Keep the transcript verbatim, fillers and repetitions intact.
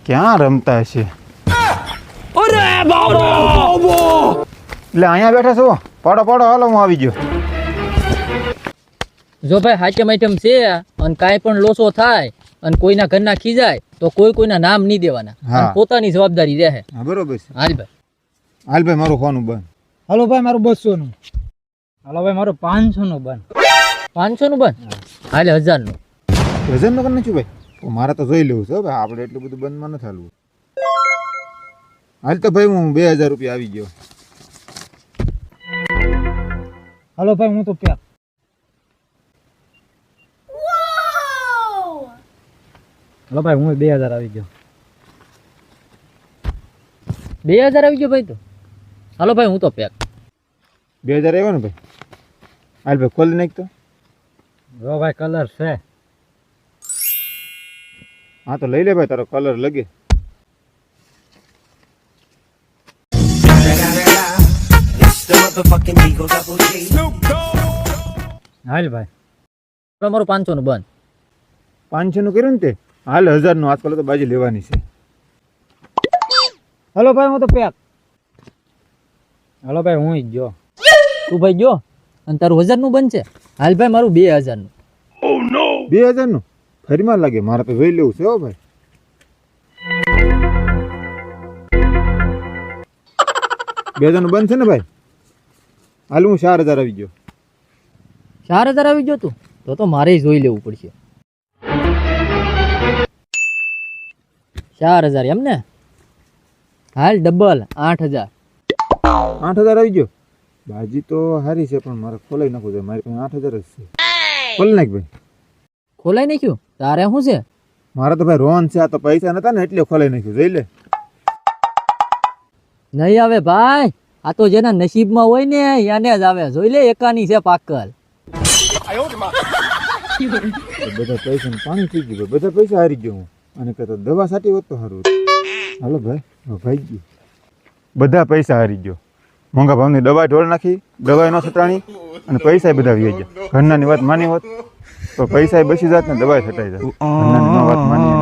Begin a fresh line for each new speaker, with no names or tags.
ક્યાં રમતા છે?
અરે બાબો!
એટલે અહીંયા બેઠા છો? પાડો પાડો, હાલો હું આવી ગયો.
જો ભાઈ હાચમ આઈટમ છે અને કાંઈ પણ લોસો થાય અને કોઈના ઘરના ખીજાય તો કોઈ કોઈના નામ નહીં દેવાના, અને પોતાની જવાબદારી રહે.
હા બરોબર છે.
હાલ ભાઈ,
હાલ ભાઈ મારું ફોન બંધ.
હાલો ભાઈ મારું બસો નું. હાલો ભાઈ મારું પાંચસો નું બંધ.
પાંચસો નું બંધ? હાલે હજાર નું.
હજાર નું કરી નાખ્યું ભાઈ? મારે તો જોઈ લેવું છે ભાઈ, આપણે એટલું બધું બંધમાં નથી હાલવું. હાલ તો ભાઈ હું બે હજાર રૂપિયા આવી ગયો.
હાલો ભાઈ હું તો પ્યાર. હાલો ભાઈ હું બે હજાર આવી ગયો.
બે હજાર આવી ગયો ભાઈ તો? હાલો ભાઈ હું તો પેક.
બે હજાર આવ્યો ને ભાઈ? હાલ ભાઈ ખોલી નાખ તો.
જો ભાઈ કલર છે.
હા તો લઈ લે ભાઈ, તારો કલર લગે.
હાલ ભાઈ
મારું પાંચસો નું બંધ.
પાંચસો નું કર્યું ને તે? હાલ હજાર નું આજકાલ તો બાજી લેવાની છે.
હાલો ભાઈ હું તો પેક. હાલો ભાઈ હું જ જો.
તું ભાઈ જો અને તારું હજાર નું બંધ છે. હાલ ભાઈ મારું બે હજાર નું.
બે હજાર નું ફરીમાં લાગે, મારે તો જોઈ લેવું છે હો ભાઈ. બે હજાર નું બંધ છે ને ભાઈ? હાલ હું ચાર હજાર આવી ગયો.
ચાર હજાર આવી ગયો તું? તો તો મારે જોઈ લેવું પડશે. ચાર હજાર એમ ને? હાલ ડબલ આઠ હજાર.
આઠ હજાર આવી ગયો? બાજી તો સારી છે પણ મારે ખોલાઈ નાખવું છે. મારી પાસે આઠ હજાર જ છે. ખોલી નાખ ભાઈ.
ખોલાઈ નાખ્યું? તારે શું છે?
મારે તો ભાઈ રોન છે, આ તો પૈસા નતા ને એટલે ખોલાઈ નાખ્યું. જોઈ લે.
નહીં આવે ભાઈ, આ તો જેના નસીબમાં હોય ને એને જ આવે. જોઈ લે, એકાની છે પાકલ.
બધા પૈસા પાણી થઈ ગયું. બધા પૈસા હારી ગયો હું. અને કહેતો દવા સાટી હોત તો સારું. હાલો ભાઈ, ભાઈ ગયું. બધા પૈસા હારી ગયો. મોંઘા ભાવની દવા ઢોળ નાખી, દવા ન છટાણી અને પૈસા બધા વી ગયા. ઘરનાની વાત માની હોત તો પૈસા બસી જાત ને દવા છટાઈ જાત. ઘરનાની વાત માની